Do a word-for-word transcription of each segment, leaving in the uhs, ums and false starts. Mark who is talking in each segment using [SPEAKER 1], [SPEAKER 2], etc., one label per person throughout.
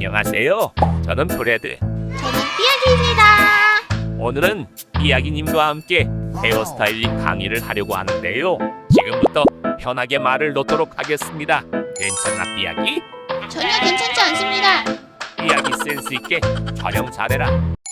[SPEAKER 1] 안녕하세요. 저는 브레드.
[SPEAKER 2] 저는 삐약이입니다.
[SPEAKER 1] 오늘은 삐약이님과 함께 헤어스타일링 강의를 하려고 하는데요. 지금부터 편하게 말을 놓도록 하겠습니다. 괜찮아, 삐약이?
[SPEAKER 2] 전혀 괜찮지 않습니다.
[SPEAKER 1] 삐약이 센스 있게 촬영 잘해라.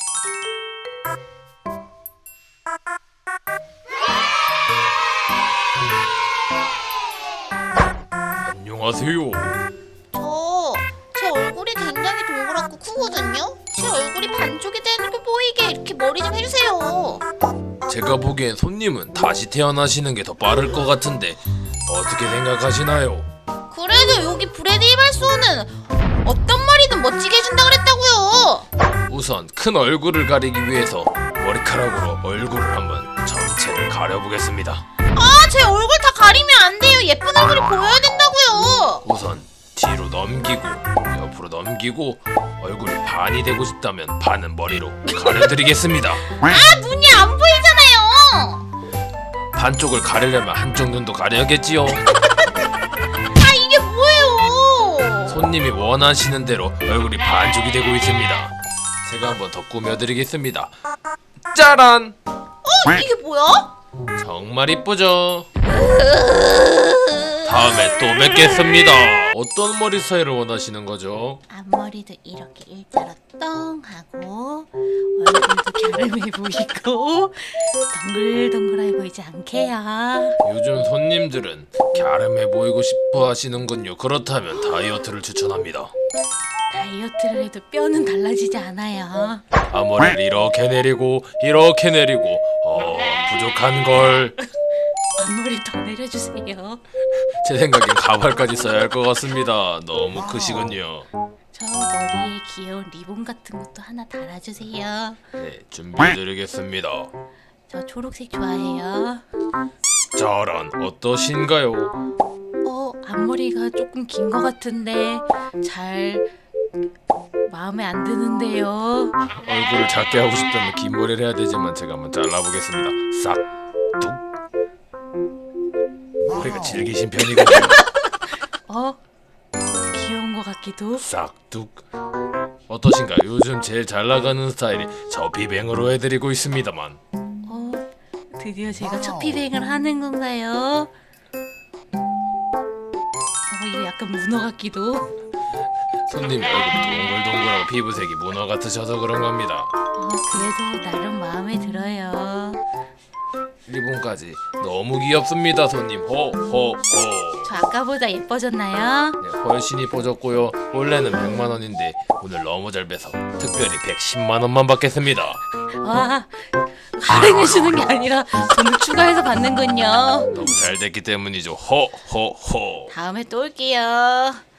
[SPEAKER 3] 안녕하세요.
[SPEAKER 2] 저, 제 얼굴이 굉장히 동그랗고 크거든요? 제 얼굴이 반쪽이 되는 게 보이게 이렇게 머리 좀 해주세요.
[SPEAKER 3] 제가 보기엔 손님은 다시 태어나시는 게 더 빠를 것 같은데 어떻게 생각하시나요?
[SPEAKER 2] 그래도 여기 브래드 이발소는 어떤 머리든 멋지게 해준다 그랬다고요.
[SPEAKER 3] 우선 큰 얼굴을 가리기 위해서 머리카락으로 얼굴을 한번 전체를 가려보겠습니다.
[SPEAKER 2] 아, 제 얼굴 다 가리면 안 돼요. 예쁜 얼굴이 보여야 된다고요.
[SPEAKER 3] 우선 뒤로 넘기고 옆으로 넘기고 얼굴이 반이 되고 싶다면 반은 머리로 가려드리겠습니다.
[SPEAKER 2] 아, 눈이 안 보이잖아요.
[SPEAKER 3] 반쪽을 가리려면 한쪽 눈도 가려야겠지요.
[SPEAKER 2] 아, 이게 뭐예요?
[SPEAKER 3] 손님이 원하시는 대로 얼굴이 반쪽이 되고 있습니다. 제가 한번 더 꾸며드리겠습니다. 짜란!
[SPEAKER 2] 어, 이게 뭐야?
[SPEAKER 3] 정말 이쁘죠? 다음에 또 뵙겠습니다. 어떤 머리 스타일을 원하시는 거죠?
[SPEAKER 2] 앞머리도 이렇게 일자로 떵 하고 얼굴도 갸름해 보이고 동글동글해 보이지 않게요.
[SPEAKER 3] 요즘 손님들은 갸름해 보이고 싶어 하시는군요. 그렇다면 다이어트를 추천합니다.
[SPEAKER 2] 다이어트를 해도 뼈는 달라지지 않아요.
[SPEAKER 3] 앞머리를 이렇게 내리고 이렇게 내리고 어 부족한 걸.
[SPEAKER 2] 앞머리 더 내려주세요.
[SPEAKER 3] 제 생각엔 가발까지 써야 할 것 같습니다. 너무 크시군요.
[SPEAKER 2] 저 머리에 귀여운 리본 같은 것도 하나 달아주세요.
[SPEAKER 3] 네, 준비해드리겠습니다.
[SPEAKER 2] 저 초록색 좋아해요.
[SPEAKER 3] 짜란, 어떠신가요?
[SPEAKER 2] 어, 앞머리가 조금 긴 것 같은데 잘 마음에 안 드는데요.
[SPEAKER 3] 얼굴을 작게 하고 싶다면 긴 머리를 해야 되지만 제가 한번 잘라보겠습니다. 싹, 툭. 머리가 질기신 편이거든요.
[SPEAKER 2] 어? 귀여운 것 같기도.
[SPEAKER 3] 싹, 툭. 어떠신가요? 요즘 제일 잘 나가는 스타일이 저 비뱅으로 해드리고 있습니다만.
[SPEAKER 2] 어, 드디어 제가 첫 비뱅을 하는 건가요? 어, 이거 약간 문어 같기도.
[SPEAKER 3] 손님이 얼굴이 동글동글하고 피부색이 문어 같으셔서 그런 겁니다.
[SPEAKER 2] 어, 그래도 나름 마음에 들어요.
[SPEAKER 3] 리본까지 너무 귀엽습니다, 손님. 호호호.
[SPEAKER 2] 저 아까보다 예뻐졌나요?
[SPEAKER 3] 네, 훨씬 이뻐졌고요. 원래는 백만 원인데 오늘 너무 잘 빼서 특별히 백십만 원만 받겠습니다.
[SPEAKER 2] 와, 할인해주는 게 아니라 돈을 추가해서 받는군요.
[SPEAKER 3] 너무 잘 됐기 때문이죠. 호호호.
[SPEAKER 2] 다음에 또 올게요.